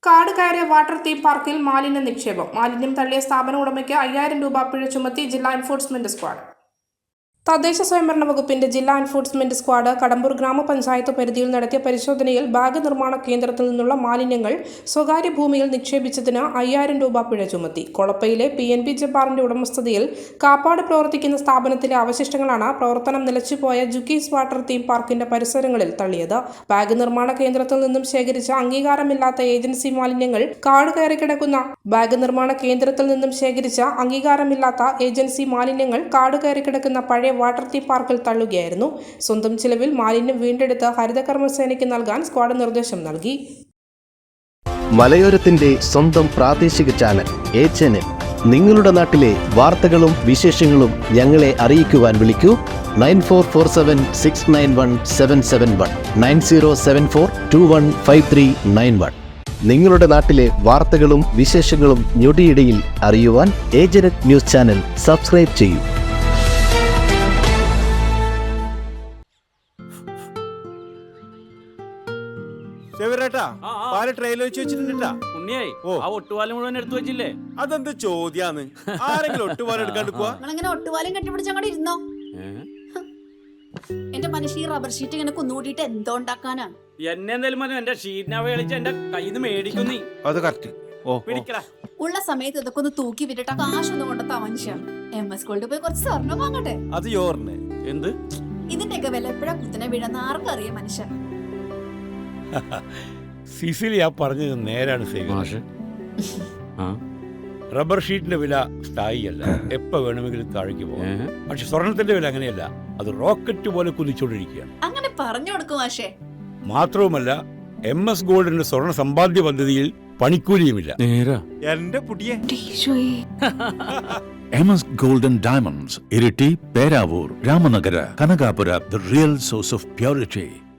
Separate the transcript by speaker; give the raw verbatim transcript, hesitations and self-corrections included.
Speaker 1: കാട് കയറിയ water theme പാർക്കിൽ മാലിന്യ നിക്ഷേപം. മാലിന്യം തള്ളിയ സ്ഥാപന ഉടമയ്ക്ക് അയ്യായിരം രൂപ പിഴ ചുമത്തി ജില്ലാ എൻഫോഴ്സ്മെന്റ് സ്ക്വാഡ്. തദ്ദേശ സ്വയംഭരണ വകുപ്പിന്റെ ജില്ലാ എൻഫോഴ്സ്മെന്റ് സ്ക്വാഡ് കടമ്പൂർ ഗ്രാമപഞ്ചായത്ത് പരിധിയിൽ നടത്തിയ പരിശോധനയിൽ ബാഗ് നിർമ്മാണ കേന്ദ്രത്തിൽ നിന്നുള്ള മാലിന്യങ്ങൾ സ്വകാര്യ ഭൂമിയിൽ നിക്ഷേപിച്ചതിന് അയ്യായിരം രൂപ പിഴ ചുമത്തി. കൊളപ്പയിലെ പി എൻ ബി ജബ്ബാറിന്റെ ഉടമസ്ഥതയിൽ കാപ്പാട് പ്രവർത്തിക്കുന്ന സ്ഥാപനത്തിലെ അവശിഷ്ടങ്ങളാണ് പ്രവർത്തനം നിലച്ചുപോയ ജുക്കീസ് വാട്ടർ തീം പാർക്കിന്റെ പരിസരങ്ങളിൽ തള്ളിയത്. ബാഗ് നിർമ്മാണ കേന്ദ്രത്തിൽ നിന്നും ശേഖരിച്ച അംഗീകാരമില്ലാത്ത ഏജൻസി മാലിന്യങ്ങൾ കാട് കയറി കിടക്കുന്ന ബാഗ് നിർമ്മാണ കേന്ദ്രത്തിൽ നിന്നും ശേഖരിച്ച അംഗീകാരമില്ലാത്ത ഏജൻസി മാലിന്യങ്ങൾ കാട് കയറി കിടക്കുന്ന പഴയ വാട്ടർ തീം പാർക്കിൽ തള്ളുകയായിരുന്നു. സ്വന്തം ചിലവിൽ മാലിന്യം വീണ്ടെടുത്ത് ഹരിതകർമ്മസേനയ്ക്ക് നൽകാൻ സ്ക്വാഡ് നിർദ്ദേശം നൽകി.
Speaker 2: മലയോരത്തിന്റെ സ്വന്തം പ്രാദേശിക ചാനൽ എ ചാനൽ. നിങ്ങളുടെ നാട്ടിലെ വാർത്തകളും വിശേഷങ്ങളും ഞങ്ങളെ അറിയിക്കുവാൻ വിളിക്കൂ nine four four seven six nine one seven seven one nine zero seven four two one five three nine one. നിങ്ങളുടെ നാട്ടിലെ വാർത്തകളും വിശേഷങ്ങളും ഞൊടിയിടയിൽ അറിയുവാൻ ഏജനറ്റ് ന്യൂസ് ചാനൽ സബ്സ്ക്രൈബ് ചെയ്യൂ.
Speaker 3: അതെന്ത് ചോദ്യാന്ന്? ആരെങ്കിലും ഒട്ടുപാലം എടുക്കാണ്ട് പോവാ?
Speaker 4: ഒട്ടുപാലം കെട്ടിപ്പിടിച്ചങ്ങോട്ട് ഇരുന്നോ? എന്റെ മനുഷ്യ റബ്ബർ ഷീറ്റ് ഇങ്ങനെ കുന്നുകൂട്ടിട്ട് എന്തോ ഉണ്ടാക്കാനാ?
Speaker 5: എന്നെ എന്തായാലും മതി, എന്റെ ഷീറ്റിനെ കളിച്ച് എന്റെ കയ്യിൽ നിന്ന് മേടിക്കുന്നീ.
Speaker 3: അത് കറക്റ്റ്.
Speaker 4: ഉള്ള സമയത്ത് ഇതൊക്കെ ഒന്ന് തൂക്കി വിട്ടിട്ട് കാശൊന്നും കൊണ്ടെത്താ മനുഷ്യ. എം എസ് ഗോൾഡ് പോയി കുറച്ച് സ്വർണ്ണം വാങ്ങട്ടെ.
Speaker 3: അത് യോറിന്
Speaker 5: എന്ത്
Speaker 4: ഇതിന്റെയൊക്കെ വില എപ്പോഴാ കുത്തനെ വീഴുന്ന ആർക്കറിയാം മനുഷ്യ.
Speaker 6: സിസിലി ആ പറഞ്ഞത് നേരാണ് സേവ. റബ്ബർ ഷീറ്റിന്റെ വില സ്ഥായിയല്ല, എപ്പോ വേണമെങ്കിലും താഴേക്ക് പോകാം. പക്ഷെ സ്വർണത്തിന്റെ വില അങ്ങനെയല്ല, അത് റോക്കറ്റ് പോലെ കുതിച്ചുകൊണ്ടിരിക്കുകയാണ്.
Speaker 4: അങ്ങനെ പറഞ്ഞു കൊടുക്കും മാഷേ.
Speaker 6: മാത്രവുമല്ല, എം എസ് ഗോൾഡിന്റെ സ്വർണ്ണ സമ്പാദ്യ പദ്ധതിയിൽ പണിക്കൂലിയുമില്ല.
Speaker 3: എന്റെ പുതിയ
Speaker 7: M S golden diamonds, Iritty, Peravoor, Ramanagara, Kanakapura, the real source of purity.